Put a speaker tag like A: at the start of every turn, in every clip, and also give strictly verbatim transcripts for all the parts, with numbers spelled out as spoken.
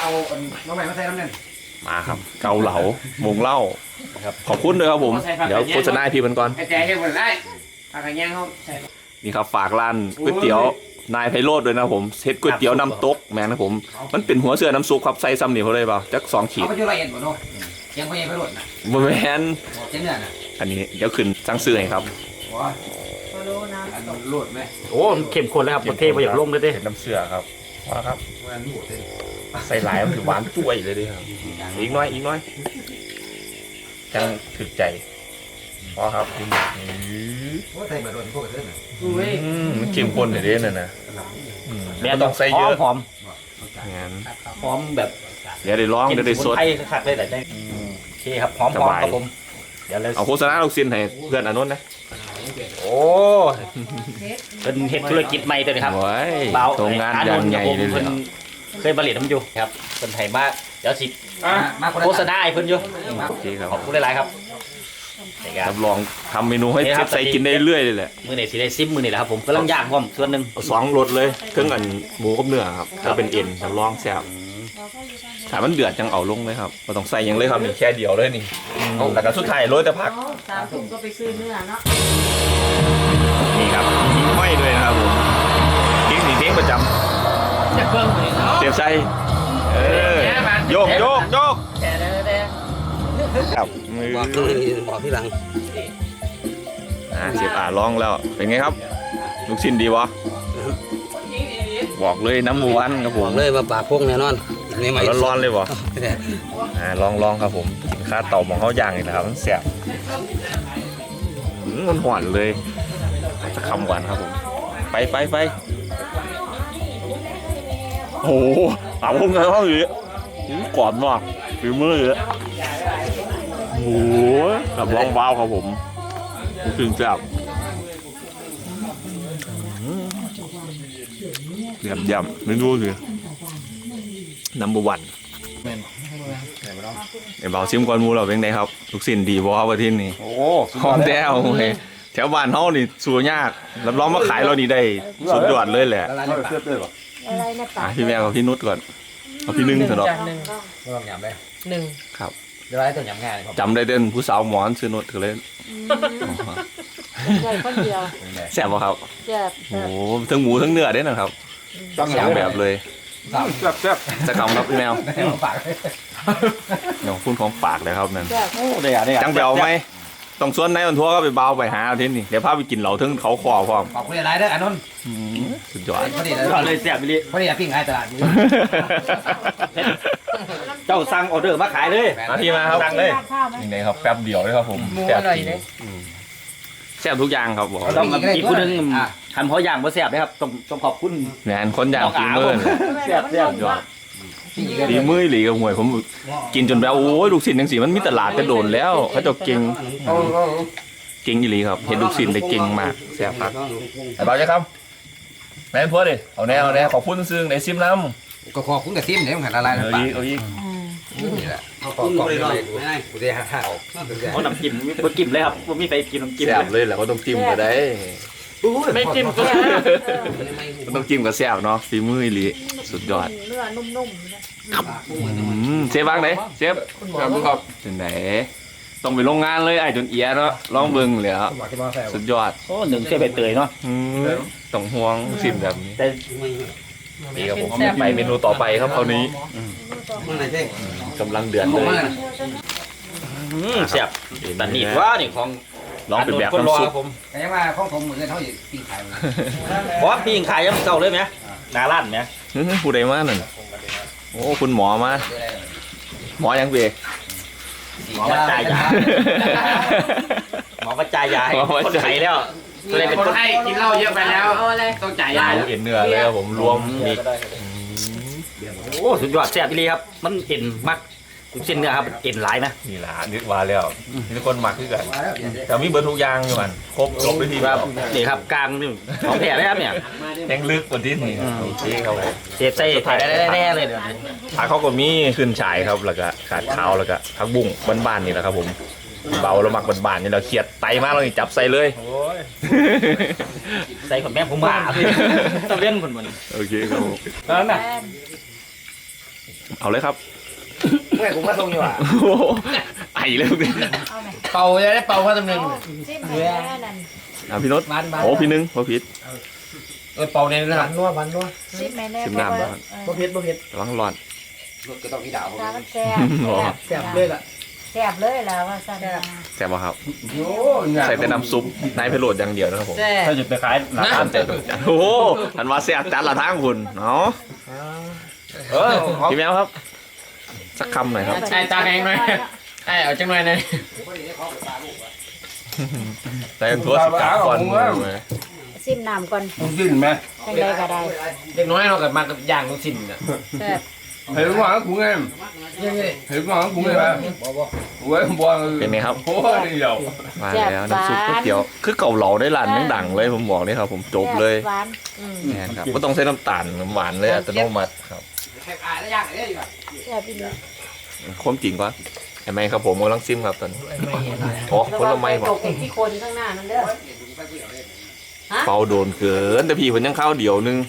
A: เอาน้องใหม่มาใส่น้ำเงิน
B: มาครับเกาเหลาวงเล่าครับขอบคุณด้วยครับผมเดี๋ยวโฆษณาให้พี่มันก่อน
A: ไอ้แจ๊ยังหมดได้ปากกระแยงเขา
B: นี่ครับฝากร้านก๋วยเตี๋ยวนายไพโรจน์ด้วยนะผมเซตก๋วยเตี๋ยวน้ำตกแม่นะผมมันเป็นหัวเสือน้ำซุปครับใส่ซ้ำนี่เขาเลยเปล่าจักสองขีด
A: เขาไปจุฬาเอ็ดบ่เนาะยังไม่ยังไปหลุดนะ
B: บะแมน
A: เจ้าเนี่ยนะ
B: อันนี้เดี๋ยวขึ้นสั่งซื้อให้ครับ
A: ว้าหลุดไหม
C: โอ้เข้มข้นแล้วครับประเทศไปอยากลงเลยเด้
B: น้ำเสือครับว่าครับใส่หลายมันถือหวานจุ้ยเลยดิครับอีกน้อยอีกน้อยจังถึกใจพอครับ
A: ว่าใส่บะหมี่พวกเส้นน่ะ
B: มันเข้มข้นเลยเด้นั่นนะ
C: แม่ต้องใส่เยอะหอม
B: งั้น
C: หอมแบบ
B: เดี๋ยวได้ร้องเดี๋ยวได้สด
C: ไทยคักเลยแต่ได้โอเคครับหอมหอมครับผมเดี๋ยวเลย
B: เอาโฆษณาลูกศิษย์ให้เพื่อนอนุนนะ
C: โอ้เป็นเฮ็ดธุรกิจใหม่ตัวนี้ครับ
B: เบาโรงงานยางใหญ่เลย
C: เคยผลิตน้ำอยู่ครับคนไทยมากเดี๋ยวสิโฆษณาให้เพิ่นอยู่
B: โอเคครับ
C: ขอบคุณหลายๆครับ
B: รับรองทำเมนูให้เชฟใส่กินได้เรื่อยเลยแหละ
C: มือไหนสิได้ซิมมือไหนแหละครับผมกำลังย่างพร้อมส่วนหนึ่ง
B: สองรสเลยเครื่องอันหมูกับเนื้อครับถ้าเป็นเอ็นรับรองแซ่บถ้ามันเดือดจังเอาลงเลยครับเราต้องใส่ยังเลยครับนี่แค่เดียวเลยนี่แล้วก็สุดท้ายโรยแต่ผัก
D: สามถุงก็ไปซื้อเนื้อเนาะ
B: นี่ครับมีห้อยด้วยนะครับผมเค้กนี่เค้กประจำ
A: จะเพิ่มเลยเนาะ
B: เสียบใส่เออโยกโยกโยกครับ
A: บอกบอกที่หลัง
B: อ่าเสียบอ่าลองแล้วเป็นไงครับลูกชิ้นดีวะบอกเลยน้ำมูวันครับผม
A: เลยมาปากพวกแน่นอน
B: ร้อนๆเลยวะอ่าลองลองครับผมกินข้าวเต่าของเขาย่างเลยนะครับมันเสียบมันหวานเลยจะคำหวานครับผมไปไปไปโอ้โหเอาพวกเงินเขาอยู่กรอบมากฝีมือเลยโอ้โหแบบว่างเบาครับผมถึงจับยำยำไม่รู้สินัมเบอร์วันไอ้เบาซิมก่อนมูเราเป็นไงครับลูกศิษย์ดีบ่ครับวันที่นี่
C: โอ้
B: หอมแก้วแถวบ้านเฮานี่สู้ยากรับรองมาขายเรานี่ได้สุดยอดเลยแหละ
D: อะไรนะป๋า
B: พี่แม่กับพี่นุชก่อนเอาพี่นึ่งเถอะเนาะ
A: หนึ่งก็ยำได้
D: หนึ่ง
B: ครับ
A: เดี๋ยวไอ้ตัวยำง่าย
B: จำได้เดินผู้สาวหมอนซื้อนุชก็เลย
D: ใหญ่คนเดียว
B: แซ่บป่ะครับ
D: แซ่บ
B: โอ้ทั้งหมูทั้งเนื้อได้นะครับสองแบบเลย
A: แซ่บแซ่บ
B: จะคำครับพี่แมวอย่างคุณของปากเลยครับนั่น
C: โอ้ได้อะได้อะ
B: จังเบลไหมต้องส่วนในวันทัวร์ก็ไปเบาไปหาเอาที่นี่เดี๋ยวพาไปกินเหล่าถึงเขาคอพร้อม
A: ขอบคุณอะไรเด้ออันนั้น
B: สุดยอด
A: พอดี
C: เลยแซ่บไปเลย
A: พอดีปิ้งขายตลาด
C: เจ้าสั่งออเดอร์มาขายเลย
B: มาที่มาครับ
C: สั่งเลย
B: นี่ไงครับแป๊บเดียวเลยครับผมแซ่บจริงแซ่บทุกอย่างครับบอก
C: ต้องอีกคนนึงทำเพราะอย่างเพราะแซ่บนะครับต้องต้องขอบคุณ
B: แหนคนอย่างฝีมือ
C: แซ่บแซ่บ
B: ยอดฝีมือหลีกับหวยผมกินจนแบบโอ้ยลูกศิษย์ยังสีมันมีตลาดกระโดดแล้วเขาจะเก่งเก่งอีหลีครับเห็นลูกศิษย์ได้เก่งมากแซ่บครับไอ้บ่าวจะครับแม่พัวดิเอาแน่เอาแน่ขอบคุณซึ่งในซิมน้
A: ำก็ขอบคุณกับซิมเนี่ยมันละลาย
B: เอาอีกเอาอีก
A: นี่แหละขอบคุณเลยหน่อยไม่กูจะหาเอา
C: เขาน้ำจิ้มไม่กินเลยครับไม่มีใครกินน้ำจิ้ม
B: แซ่บเลยแหละเขาต้องจิ้มก็ได้
C: ไม่จิ้มก็
B: ต้องจิ้มกับแซ่บเนาะฝีมืออีหลีสุดยอด
D: เนื้อนุ่ม
B: ๆเชฟบ้างไหนเชฟครับครับถึงไหนต้องไปโรงงานเลยไอ้จนเอียเนาะลองเบิ่งเลยครับสุดยอด
C: โอ้หนึ่งเชฟใบเตยเนาะ
B: ต้องห่วงซิมแบบนี้นี่ครับผมไปเมนูต่อไปครับคราวนี้กำลังเดือดเลย
C: แซ่บแต่นี่ว่านี่ของ
B: ลองเป็นแบบน้ำซุป
A: แต่ยังว่าของผมเหมือนกันเขาอยู่ปิ้งขาย
C: เพราะปิ้งขายยังเก่าเลยไหมนาลั่นไหม
B: ผู้ใดมาหนึ่งโอ้คุณหมอมาหมอยังเบะ
C: หมอกระจายยาหมอกระจายยาให้คนไข้แล้ว
A: เลยเป็นคนไข้กินเหล้าเยอะไปแล้วต้องจ่ายยา
B: เอ็นเนื้อเลยครับผมรวมมี
C: โอ้สุดยอดแซ่บเลยครับมันเอ็นมักเส้นเนื้อครับเอ็นหลายนะ
B: นี่ละนึกว่าแล้วนี่คนหมักคือกันแต่มีเบอร์ทุกอย่างอยู่มันครบครบด้วยที
C: ครับนี่ครับกลางนี่ของแท้เลยครับเนี่ย
B: แห้งลึกกว่าที่นี่โอเคครับ
C: เจ็บใส่ไทยแน่ๆเลยเดี๋ยว
B: ผักเขาก็มีขึ้นฉายครับแล้วก็ขาดขาวแล้วก็ผักบุ้งบ้านๆนี่แหละครับผมเบาเราหมักบ้านๆนี่เราเคียดไตมากเราจับใส่เลย
C: ใส่ขนแม่ผมมาตะเว้นคนมัน
B: โอเคครับ
C: นั่นน่ะ
B: เอาเลยครับ
A: เมื่อกูมาส่งอยู่อ่ะ
B: โอ้โหไอเลยลูกนี่
D: เอาไหม
A: เป่าจะได้เป่าข้าวตำลึง
D: เอาซิมแม่นั่น
B: อ่ะพี่นศ
A: บ้านบ้าน
B: โอ้พี่หนึงพ่อพิษ
A: เออเป่าในนั้นนัวบ้านนัว
D: ซิมแม่แน่
B: ซิมน้ำบ้าง
A: บ่เผ็ดบ่เผ็ด
B: ระวังร้อน
A: ก็ต้องมีดาว
D: ตามันแซ่บ
A: แซ่บเลยล่ะ
D: แซ่บเลยแล้วว่าสั่น
B: แซ่บป่ะครับ
A: โอ้
B: ใส่แต่น้ำซุปนายไพโรดอย่างเดียวนะครับผม
D: แซ่บ
C: ถ้าจะไปขายหลัก
B: ตามแต่โอ้โหอันว่าแซ่บจัดละทางคุณเนาะ
A: เออ
B: พี่แมวครับ สักคำหน่อยครับ
A: ใช่ตาแดงหน่อยไอ้เอาจังหน่อยนะ
B: แต่ทั่วสิกาก่อนเลย
D: ซิมน้ำก่อน
A: ลูกชิ้นไหม
D: จังไดก็ได้
A: เด็กน้อยเรากับมากับย่างลูกชิ้นน่ะ
D: แซ่บ
A: เห็นว่ากูไงเห็นว่ากูไงบ้างเว้ยบัว
B: เป็นไงครับ
A: โอ้ยเดียว
B: มาแล้วน้ำซุปก๋วยเตี๋ยวคือเก่าเหลาได้ร้านดังๆเลยผมบอกเลยครับ ผมจบเลย
D: หวานอืม
B: แน่นครับก็ต้องใช้น้ำตาลน้ำหวานเลยอัตโนมัติครับ
D: แซ่บอีหลี
B: ความจริงก็ไอ้ไม้ครับผมกำลังซิมครับตอนนี้โอ้ผลไม้บอ
D: ต
B: ก
D: กที่คนข้างหน้านั่นเด้อ
B: เป่าโดนเกินแต่พี่ผมยังเข้าเดียวนึง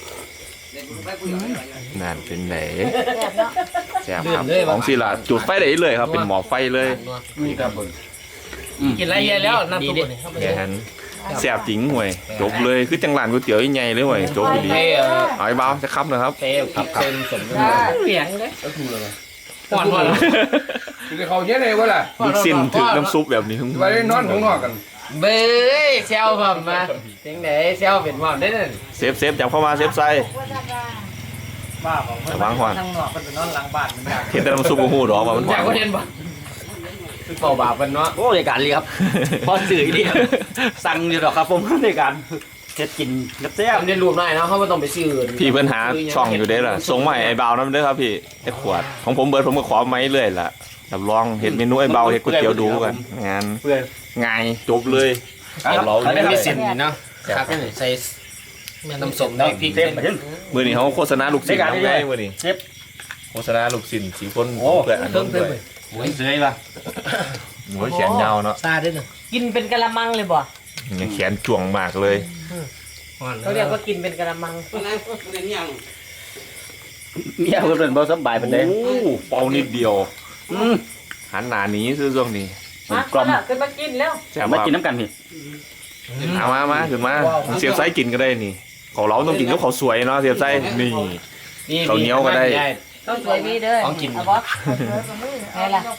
B: นั่นเป็นไหน
D: แซ่บเนาะ
B: แซ่บครับของศิลาจุดไฟได้เลยครับ เป็นหมอไฟเลย
A: มีกระปุกกินอะไรเยอะแล้วน้ำซุป
B: แค่นั้นแซ่บจริงห่วยจบเลยคือจังหลานก๋วยเตี๋ยวใหญ่ๆเลยห่วยจบไปดีเอาไอ้เบาจะคับนะครับ
A: เต้กับเต็มสม
D: เหลียงเลย
A: ก็คืออะไรป้อนป้อนคือเขาเยอะเลยวะล่ะ
B: ลูกสิ้นถึงน้ำซุปแบบนี้
A: ไปนอนของนอกกันเบ้ยเซลผมมาถึงไหนเซลเป็นว่าได้นั่น
B: เซฟเซฟจับเข้ามาเซฟใส่
A: บ้าบอก
B: ระวังก่อน
A: ทางนอกมันเป็นนอนหลังบ้านมันอยาก
B: เห็นแต่น้ำซุปโอ้โหดอกว่ามันหาย
A: อาวกเห็นบ่คือเป่าบาปมันเนาะ
C: โอ้ยการเลยครับพอสื่อดีสั่งอยู่หรอกครับผมในการเฮ็ดกินกับแซ่บ
A: ทำได้รวมได้เนาะเขาไม่ต้องไปซื้อ
B: พี่เพิ่นหาช่องอยู่เด้อล่ะส่งมาให้ไอ้เบานั่นเด้อครับพี่ไอ้ขวดของผมเบิร์ดผมก็ขอไม้เรื่อยล่ะรับรองเห็นเมนูไอ้เบาเห็ดก๋วยเตี๋ยวดูกันงาน
C: เพื่อน
B: ง่ายจบเลย
A: เอาเรา
B: เอา
A: ไม่
B: เลย
A: มีสินเนาะครับใส่น้ำส้มได้พริก
C: เซฟมาถึง
B: มือนี้เขาโฆษณาลูกศิษย์
C: ได้การ
B: ทำ
C: ได้
B: ไง
C: เลย
B: มือนี้
C: เซฟ
B: โฆษณาลูกศิษย์สีคน
C: โอ้
B: เพื่ออันนั้นด้วย
C: หมูเสยป่ะ
B: หมูแขนยาวเนาะ
A: ซาได้หนึ่ง
D: กินเป็นกะละมังเลยบ่
B: ยังแขนจ่วงมากเลย
D: เขาเรียกว่ากินเป็นกะละมัง
C: เมียเพิ่นบ่สบายปานใด
B: โอ้เป่านิดเดียว
C: อืม
B: หันหน้าหนี้ซื้อช่วงนี้
D: มากล่อมขึ้นมากินแล้ว
B: แซ่บ
C: มา
B: มา
C: กินน้ำกันพี่
B: เอามามาขึ้นมาเสียบไส้กินก็ได้นี่ของเราต้องกินกับข้าวสวยเนาะเสียบไส้นี่ ข้าวเหนียวก็ได้
D: ต้องสวยพี่เด้อ
A: ของกิน
D: เอาบ่ไงล่ะ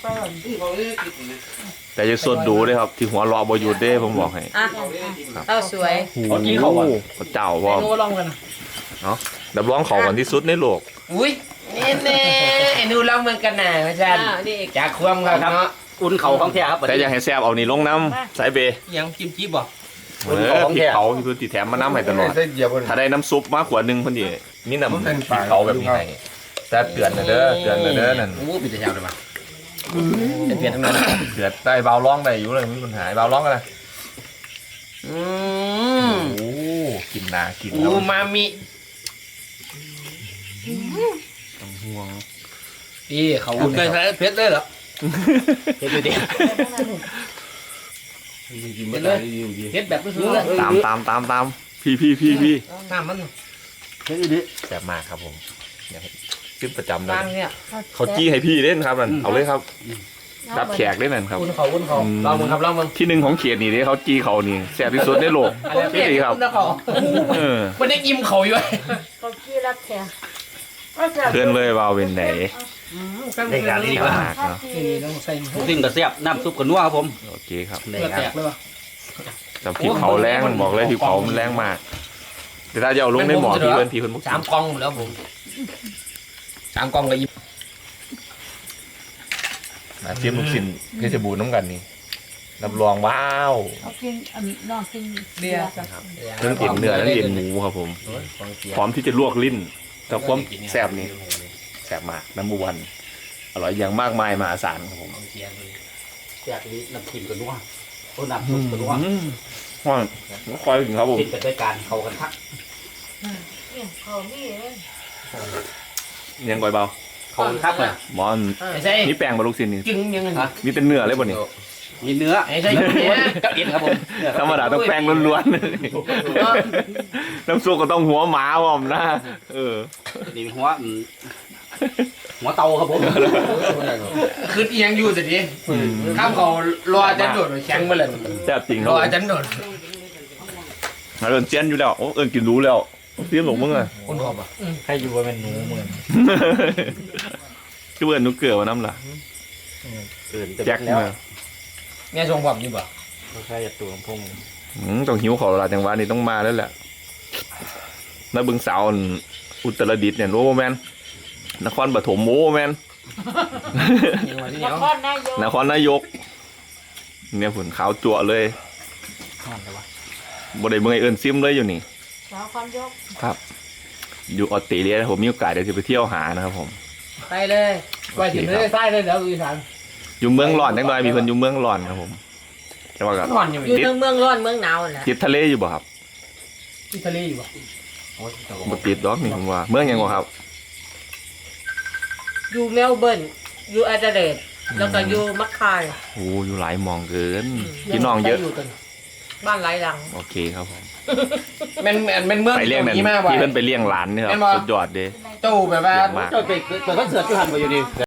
B: แต่จะสดดูด้วยครับ ที่หัวรอบอยู่เด้ผมบอกให้
D: อ่ะเต้าสวย
B: โอ้โหพระเจ้าว่า
A: โง่ลองกัน
B: ดับร้องเขากันที่สุดในโลก
A: อุ้ยนี่เน่ไอ้นูลองเมืองกันหน่าอาจารย์
D: อ่านี่อีก
A: จากความครับเนาะ
C: อุ่นเข่าของแท้ครับ
B: แต่อยากให้แซ่บเอานี่ลงน้ำสายเบย์
A: ยังจิ้มจิ๊บบ่
B: เออพริกเผาที่พื้นติแถมมาน้ำให้ตลอดถ้าได้น้ำซุปมากกว่าหนึ่งพอดีมีน้ำพริกเผาแบบนี้ให้แต่เตือนนะเด้อเตือนนะเด้อนั่น
A: โอ้ปิดแต่เช้าเลยป่ะเป็นเปลี่ยนทั้งนั้น
B: เตือนได้เบาร้องได้อยู่เลยไม่มีปัญหาเบาร้องกันนะ
A: อื
B: โอ้
A: ม
B: กินนากิน
A: อู
B: แล้ว
A: มามิ
B: ห่วง
A: พี่เขาอุ่นเคยใช้เพชรเลยเหรอ
C: เฮ็ดอยู่ดิ
A: เพชรเลยเพชรแบบไม่ซื้อเลย
B: ตามตามตามตามพี่พี่พี่พี่
A: น้ำมัน
C: เฮ็ดอยู่ดิ
B: แซ่บมากครับผมเนี่ยขึ้นประจำเล
D: บาง
B: ย
D: เนี่ย
B: เขาจี้ให้พี่เล่นครับนั่นเอาเลยครับรับแขกเล่นนั่นครับ
A: อุ่นเขาอุ่นเขาลองมึงครับลองมึง
B: ที่หนึ่งของเขตนี่เด้เขาจี้เขานี่แซ่บที่สุดในโลกพี่ดีครับ
A: อุ่นเขา
B: เออ
A: มันได้ยิ้มเขาอยู่
D: เขากี้รับแขก
B: เพื่อนเลยเบาเป็นไหน
C: ในการดี
B: ดี
C: ครั
B: มากเนาะ
C: สิ่งก็แซ่บน้ำซุปก็นัวครับผม
B: โอเคครับ
C: ได้
A: เลือด
C: ค
A: แต
C: รับ
A: กเลยป่ะ
B: แต่พริกเผาแรงบอกเลยพริกเผามันแรงมากแต่ถ้าจะเอาลงในหมอพี่เพื่อนพี่เพื่อนบอก
A: สามกองหมดแล้วผมสามกองกับยิ้ม
B: มาเทียมลูกชิ้นเพชรบูรณ์น้ำกันนี่รับรองว้าว
D: เขากินอันน้องกินเบียร์
B: เรื่องเอ็นเนื้อเรื่องเอ็นหมูครับผมพร้อมที่จะลวกลิ้นแต่ความแซ่บนี่แซ่บมากน้ำมูวันอร่อยอย่างมากมายมหาศาลครับผม
C: แซ่บนี้น้ำจิ้มก็นัวโอ้น้ำซุปก็นัว
B: อืมว่าคอยถึงครับผม
C: กินกันด้วยกันเข้ากันทัก
D: เนี่ยเขามีเอ้ย
B: ยังก่อยเบา
C: เข้ากันทักเลย
B: หมอน
A: ไอ้ใช่
B: นี่แป้งบะลูกชิ้นนี่
A: จึงยังไง
B: มีแต่เนื้อเลยบ่นี่
C: มีเนื้อ
A: ไอ้ใช่ยังไง
C: กับเอ็นครับผม
B: ธรรมดาต้องแป้งล้วนๆน้ำซุปก็ต้องหัวหมาผมนะเออ
C: นี่หัวหัวเตาครับผม
A: คือเอียงอยู่สิดิข้ามเขารออาจารย์โดดแข็งมาเลย
B: แซ่บจริงค
A: ร
B: รับ
A: อ
B: ผม
A: อาจารย์โดด
B: เอิญเจียนอยู่แล้วโอ้เอิญกินรู้แล้วเสียนหลงมึงอ่ะ
A: คนขอบอ่ะ
C: ใครอยู่ว่าเป็นหนูเหมือน
B: คือเอิญนุกเกลือมาน้ำล่ะ
C: เกิน
B: แจ็ค
C: แล้ว
B: มา
A: แม่ทรงผมอยู่บ่
C: ใครจะตัวพง
B: อืมต้องหิวขอลาจังหวะนี้ต้องมาแล้วแหละแล้วบึงสาวอุตรดิตถ์เนี่ยโอ้แมนนครปฐมโอ้แมน
D: นครนายก
B: นครนายกเนี่ยฝุ่นขาวจั่วเลย
C: นั่นเลยวะ
B: บ่ได้เมื่อยเอิญซิมเลยอยู่นี่
D: นครนายก
B: ครับ อยู่ออสเตรเลียนะผมมีโอกาสเดี๋ยวจะไปเที่ยวหานะครับผม
A: ไปเลยไปถึงเลยใต้เลยเดี๋ยวอีสาน
B: อยู่เมืองร้อนจังหน่อยมีคนอยู่เมืองร้อนครับผมแต่ว่าก็
A: นอนอยู่
D: อยู่ทั้งเมืองร้อนเมืองหนาวแหละ
B: ติดทะเลอยู่บ่ครับ
A: ที่ทะเลอยู่บ่
B: บ่ติดดอกนี่ผมว่าเมืองหยังบ่ครับ
D: อยู่เมลเบิร์นอยู่แอดเลดแล้วก็อยู่มัคคาย
B: โอ้อยู่หลายหมองเกินพี่น้องเยอะ
D: บ้านหลายหลัง
B: โอเคครับผม
A: แม่นแม่นเมือง
B: ไปเลี้ยงนั่น
A: ที่มากบ่
B: ที่เพิ่นไปเลี้ยงหลานนี่ครับ
A: แม่นบ่
B: สุดยอดเด้
A: เจ้าแบบว่า
B: มาก
C: เจ้าไปเปิดคอนเสิร์ตที่หันไปอยู่ดี